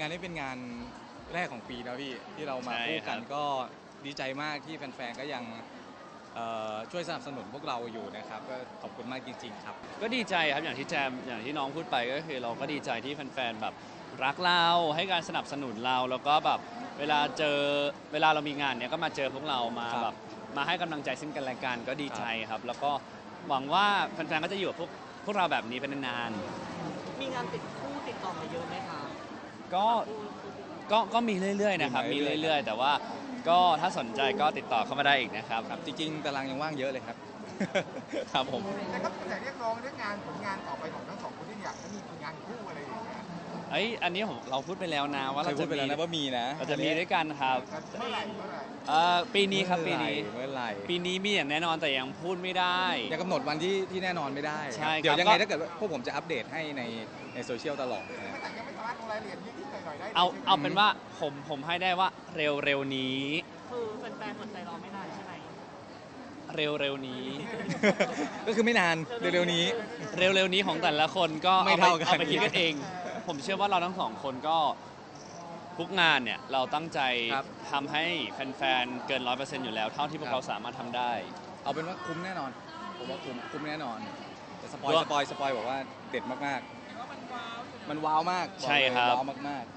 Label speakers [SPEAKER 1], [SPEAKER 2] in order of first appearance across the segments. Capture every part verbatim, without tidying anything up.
[SPEAKER 1] งานนี้เป็นงานแรกของปีนะพี่ที่เรามาคู่กันก็ดีใจมากที่แฟนๆก็ยังช่วยสนับสนุนพวกเราอยู่นะครับก็ขอบคุณมากจริงๆครับ
[SPEAKER 2] ก็ดีใจครับอย่างที่แจมอย่างที่น้องพูดไปก็คือเราก็ดีใจที่แฟนๆแบบรักเราให้การสนับสนุนเราแล้วก็แบบเวลาเจอเวลาเรามีงานเนี้ยก็มาเจอพวกเรามาแบบมาให้กำลังใจซึ่งกันและกันก็ดีใจครับแล้วก็หวังว่าแฟนๆก็จะอยู่กับพวกพวกเราแบบนี้เป็นนาน
[SPEAKER 3] ๆมีงานติดคู่ติดต่อมาเยอะไหมคะ
[SPEAKER 2] ก็ก็ก็มีเรื่อยๆนะครับมีเรื่อยๆแต่ว่าก็ถ้าสนใจก็ติดต่อเข้ามาได้อีกนะครับ
[SPEAKER 1] จริงๆตารางยังว่างเยอะเลยครับครับผม
[SPEAKER 4] แต่ก็แต่เรียกร้องเรื่องงานผลงานต่อไปของทั้งสองคนที่อยากให้มีผลงานคู่อะไรอย่างเงี้ย
[SPEAKER 2] ไอ้อันนี้ผมเราพูดไปแล้วนะว่าเราจะ
[SPEAKER 1] มีนะว่ามีนะ
[SPEAKER 2] เราจะมีด้วยกันครับ
[SPEAKER 4] เมื่อไหร่เมื่อไหร่
[SPEAKER 2] ปีนี้ครับปีนี้
[SPEAKER 1] เมื่อไหร่
[SPEAKER 2] ปีนี้มีอย่างแน่นอนแต่ยังพูดไม่ได้
[SPEAKER 1] ยังกำหนดวันที่ที่แน่นอนไม่ได้
[SPEAKER 2] ใช่
[SPEAKER 1] เดี๋ยวยังไงถ้าเกิดพวกผมจะอัปเดตให้ในในโซเชียลตลอด
[SPEAKER 4] ยังไม่สามารถลงรายละเอียดนิดหน่อยได้
[SPEAKER 2] เอาเอาเป็นว่าผมผมให้ได้ว่าเร็วเร็วนี้
[SPEAKER 3] คือแฟนๆอดใจรอไม่นานใช่ไหม
[SPEAKER 2] เร็วเร็วนี้
[SPEAKER 1] ก็คือไม่นานเร็วๆนี้
[SPEAKER 2] เร็วเร็วนี้ของแต่ละคนก็
[SPEAKER 1] ไม่เท่ากัน
[SPEAKER 2] เอาไปคิดกันเองผมเชื่อว่าเราทั้งสองคนก็ทุกงานเนี่ยเราตั้งใจทำให้แฟนๆเกินร้อยเปอร์เซ็นต์อยู่แล้วเท่าที่พวกเราสามารถทำได้
[SPEAKER 1] เอาเป็นว่าคุ้มแน่นอนผมว่าคุ้มคุ้มแน่นอนแต่สปอยสปอยสปอยบอกว่าเด็ดมากๆมันว้าวมาก
[SPEAKER 2] ใช่ครับ
[SPEAKER 1] ว้าวมาก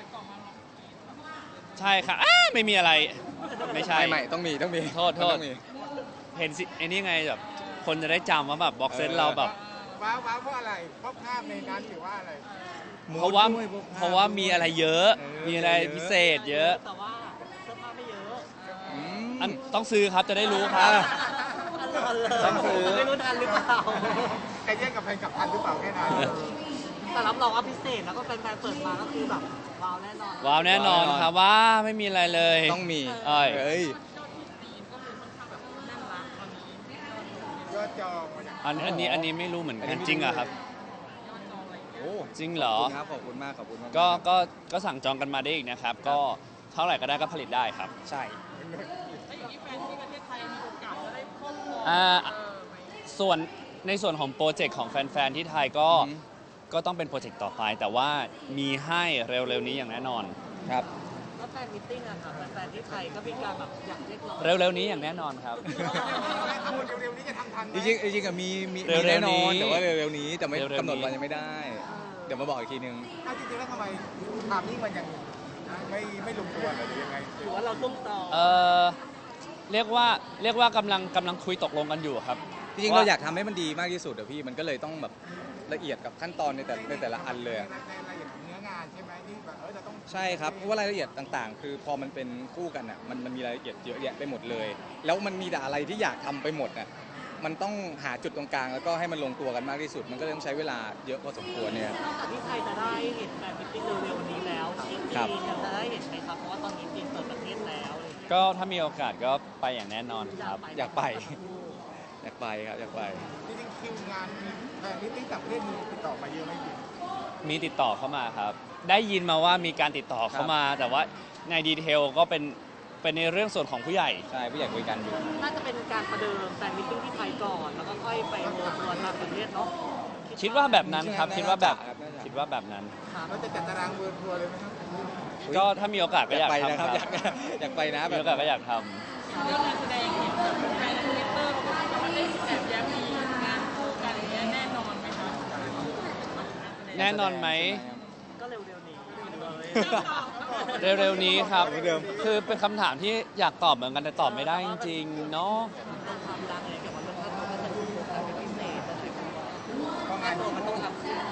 [SPEAKER 2] ๆใช่ครับไม่มีอะไรไม่ใช่
[SPEAKER 1] ไม่ต้องมีต้องมี
[SPEAKER 2] โทษโทษเห็นสิไอ้นี่ไงแบบคนจะได้จำว่าแบบบ็อกเซนเราแบบ
[SPEAKER 4] ว้าวว้าวเพราะอะไรเพราะภาพในนั้นหรือว่าอะไร
[SPEAKER 2] เพราะว่าเพราะว่ามีอะไรเยอะมีอะไรพิเศษเยอะ
[SPEAKER 3] แต่ว่าเสื้อผ้าไม่เยอะ
[SPEAKER 2] อันต้องซื้อครับจะได้รู้ครับ
[SPEAKER 3] ต้องซื้อไม่รู้ทันหรือเปล่า
[SPEAKER 4] ใครแย่งกับใครกับทันหรือเปล่าแค่นั้น
[SPEAKER 3] แต่รับรองว่าพิเศษแล้วก็แฟนๆเปิดมาก็คือแบบว้าวแน่นอน
[SPEAKER 2] ว้าวแน่นอนครับว่าไม่มีอะไรเลย
[SPEAKER 1] ต้องมี
[SPEAKER 2] เอ้
[SPEAKER 1] ย
[SPEAKER 4] ยอดจอง
[SPEAKER 2] อันอันนี้อันนี้ไม่รู้เหมือนกันจริงอะครับ
[SPEAKER 1] โอ้
[SPEAKER 2] จริงเหรอ
[SPEAKER 1] ขอบคุณมากขอบคุณมาก
[SPEAKER 2] ก็ก็ก็สั่งจองกันมาได้อีกนะครับก็เท่าไหร่ก็ได้ก็ผลิตได้ครับ
[SPEAKER 1] ใช่
[SPEAKER 2] อ่าส่วนในส่วนของโปรเจกต์ของแฟนๆที่ไทยก็ก็ต้องเป็นโปรเจกต์ต่อไปแต่ว่ามีให้เร็วๆนี้อย่างแน่นอน
[SPEAKER 1] ครับ
[SPEAKER 3] แล้วแฟนมิทติ้งอะค่ะแฟนๆที่ไทยก็มีการแบบอยากเรียกร้อง
[SPEAKER 2] เร็วๆนี้อย่างแน่นอนครับ
[SPEAKER 4] เร็วๆนี้จะทำทัน
[SPEAKER 1] จริงๆจริงๆมีมีแน่นอนแต่ว่าเร็วๆนี้แต่ไม่กำหนดวันยังไม่ได้เดี๋ยวมาบอกอีกทีนึง
[SPEAKER 4] จริงๆแล้วทำไมทำนี่มันยังไม่ไม่ลงตัวหรือยังไง
[SPEAKER 3] หรือว่าเราต้องต่อ
[SPEAKER 2] เออเรียกว่าเรียกว่ากำลังกำลังคุยตกลงกันอยู่ครับ
[SPEAKER 1] จริงๆเราอยากทำให้มันดีมากที่สุดเดี๋ยวพี่มันก็เลยต้องแบบละเอียดกับขั้นตอนในแต่ในแต่ละอันเลย
[SPEAKER 4] รายละเอียดของเนื้องานใช่ไหมที่แบบเออจะต้อง
[SPEAKER 1] ใช่ครับเพราะว่ารายละเอียดต่างๆคือพอมันเป็นคู่กันอ่ะมันมันมีรายละเอียดเยอะแยะไปหมดเลยแล้วมันมีแต่อะไรที่อยากทำไปหมดอ่ะมันต้องหาจุดตรงกลางแล้วก็ให้มันลงตัวกันมากที่สุดมันก็ต้องใช้เวลาเยอะพอสมควรเนี่ย
[SPEAKER 3] นอกจากที่ไทยจะได้เห็นแฟนมิตติ้งเร็วๆนี้แล้วที่จีนจะได้เห็นไหมครับเพราะว่าตอนนี้จีนเปิดประเทศแล้ว
[SPEAKER 2] ก็ถ้ามีโอกาสก็ไปอย่างแน่นอนครับ
[SPEAKER 1] อยากไปอยากไปครับอยากไป
[SPEAKER 4] จริงๆคิวงานแฟนมิตติ้งต่างประเทศมีติดต่อมาเยอะไหมพี่
[SPEAKER 2] มีติดต่อเข้ามาครับได้ยินมาว่ามีการติดต่อเข้ามาแต่ว่าในดีเทลก็เป็นเป็นในเรื่องส่วนของผู้ใหญ่
[SPEAKER 1] ใช่ผู้ใหญ่คุยกันอยู่
[SPEAKER 3] น่าจะเป็นการประเดิมแฟนมิตติ้งที่ไทยก่อนแล้วก็ค่อยไปเวิร์ทัวร์ต่างประเทศเนาะ
[SPEAKER 2] คิดว่าแบบนั้นครับคิดว่าแบบคิดว่าแบบนั้น
[SPEAKER 4] เราจะจัดตารางเวิร์ทัวร์เลยไหมครับ
[SPEAKER 2] ก็ถ้ามีโอกาสก็อยากทำครับ
[SPEAKER 1] อยากไปนะ
[SPEAKER 2] มีโอกาสก็อยากท
[SPEAKER 3] ำเรื่องการแสดงเห็นแบบแฟนทวิตเตอร์เขาบอกว่าได้แอบแย้มมีงานคู่กันอย่างเงี้ยแน่นอนไหมคะ
[SPEAKER 2] แน่นอนไหม
[SPEAKER 3] ก็เร็วๆนี้
[SPEAKER 2] เร็วๆนี้ครับคือเป็นคำถามที่อยากตอบเหมือนกันแต่ตอบไม่ได้จริงๆเนาะ
[SPEAKER 3] ความดังเลยเกี่ยวกับเรื่องค่าตัวก็จะถูกโฟกัสเป็นพิเศษแต่ถึงค่าตัวมันต้องทำขึ้น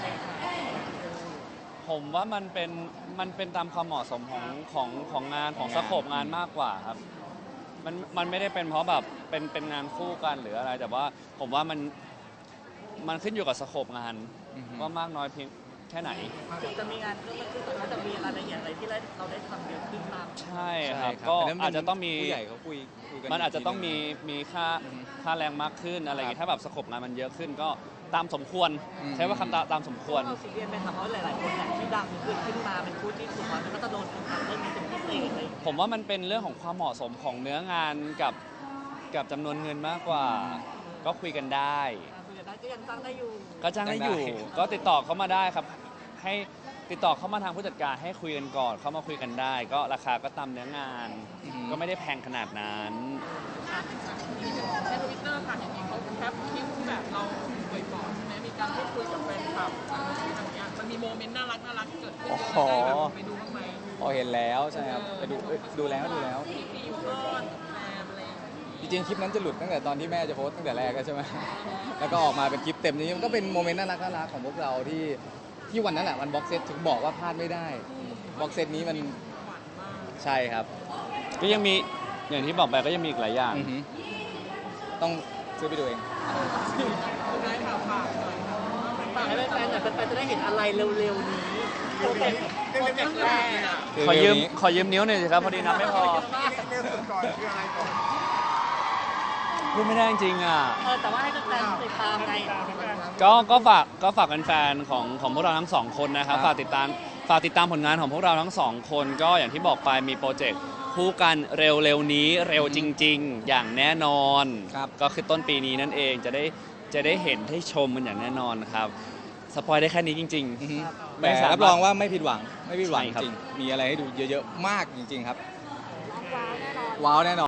[SPEAKER 2] ผมว่ามันเป็นมันเป็นตามความเหมาะสมของของของงานของสโคปงานมากกว่าครับมันมันไม่ได้เป็นเพราะแบบเป็นเป็นงานคู่กันหรืออะไรแต่ว่าผมว่ามันมันขึ้นอยู่กับสโคปงานว่ามากน้อยเพียงแค่ไหน
[SPEAKER 3] จะมีงานเพิ่มขึ้นแต่ว่าจะมีรายละเอียดอะไรที่เราได้ทำเยอะขึ้นมาก
[SPEAKER 2] ใช่ครับก็อาจจะต้องมี
[SPEAKER 1] ผู้ใหญ่เขาคุย
[SPEAKER 2] มันอาจจะต้องมีมีค่าค่าแรงมากขึ้นอะไรอย่างงี้ถ้าแบบสโคปงานมันเยอะขึ้นก็ตามสมควรใช้ว่าคำตามตามสมควร
[SPEAKER 3] เราซีเรียสไหมครับเพราะหลายๆคนที่ดังขึ้นขึ้นมาเป็นคู่ที่ถูกมันก็จะโดนคนทำเรื่องนี้เป็นพิเศษเลย
[SPEAKER 2] ผมว่ามันเป็นเรื่องของความเหมาะสมของเนื้องานกับกับจำนวนเงินมากกว่าก็คุยกันได้
[SPEAKER 3] คุยกันได้ก็ยังจ้างได้อยู่
[SPEAKER 2] ก็จ้างได้อยู่ก็ติดต่อเข้ามาได้ครับให้ติดต่อเข้ามาทางผู้จัดการให้คุยกันก่อนเข้ามาคุยกันได้ ก็ราคาก็ตามเนื้องาน
[SPEAKER 1] อือฮึ
[SPEAKER 2] ก็ไม่ได้แพงขนาดนั้น
[SPEAKER 3] อ่ะในทวิตเตอร์ค่ะเห็นมีเขาแคปคลิปที่แบบเราป่วยปอดใช่ไหมมีการพูดคุยกับแฟนคลับอะไรอย่างเงี้ยมันมีโมเมนต์น่ารักน่ารักเกิดขึ้นเยอะได้แบบไปดูบ้างไหม
[SPEAKER 1] พอเห็นแล้วใช่ครับไปดูเอ้ยดูแล้วดูแล้ว
[SPEAKER 3] ที่มีอยู่รอดกับแฟนอะไรอย่างเงี้ย
[SPEAKER 1] จริงๆคลิปนั้นจะหลุดตั้งแต่ตอนที่แม่จะโพสต์ตั้งแต่แรกแล้วใช่ไหม แล้วก็ออกมาเป็นคลิปเต็มนี้มันก็เป็นโมเมนต์น่ารักน่ารักของพวกเราที่ที่วันนั้นแหละวันบ็อกเซตถึงบอกว่าพลาดไม่ได้บ็อกเซตนี้มัน
[SPEAKER 3] หวานมาก
[SPEAKER 1] ใช่ครับ
[SPEAKER 2] ก็ยังมีอย่างที่บอกไปก็ยังมีอีกหลายอย่าง
[SPEAKER 1] อือฮึต้องซื้อไปดูเอง
[SPEAKER 3] ได้ค่ะฝากหน่อยค่ะ
[SPEAKER 5] ฝากให้แฟนๆหน่อยแฟนๆจะได้เห็นอะไรเร็วๆนี้โปรเจกต์โปรเจกต์แรกอะ
[SPEAKER 2] ขอยืม
[SPEAKER 1] เร็วๆนี้
[SPEAKER 2] ขอยืมนิ้วหน่อยสิครับพอดีนับไม่พอ
[SPEAKER 4] เรื่องสุดก่อนคืออะไรก่อน
[SPEAKER 2] พูดไม่ได้จริงๆอ่ะ
[SPEAKER 5] เออแต่ว่าให้แฟนๆติดตามไง
[SPEAKER 2] ก็ก็ฝากก็ฝากแฟนๆของของพวกเราทั้งสองคนนะครับ
[SPEAKER 1] ครับ
[SPEAKER 2] ฝากติดตามฝากติดตามผลงานของพวกเราทั้งสองคน ก็อย่างที่บอกไปมีโปรเจกต์คู่กันเร็วๆนี้เร็วจริง ๆ อย่างแน่นอน
[SPEAKER 1] ครับ
[SPEAKER 2] ก็คือต้นปีนี้นั่นเองจะได้จะได้เห็นได้ชมมันอย่างแน่นอนครับสปอยได้แค่นี้จริง
[SPEAKER 1] อือฮึ
[SPEAKER 2] ไม่
[SPEAKER 1] แต่
[SPEAKER 2] สามารถ
[SPEAKER 1] รับรองว่าไม่ผิดหวังไม่ผิดหวัง
[SPEAKER 2] ใช่ครับ
[SPEAKER 1] จริงมีอะไรให้ดูเยอะๆมากจริง ๆ ครับ ว้าวแน่นอนว้าวแน่นอน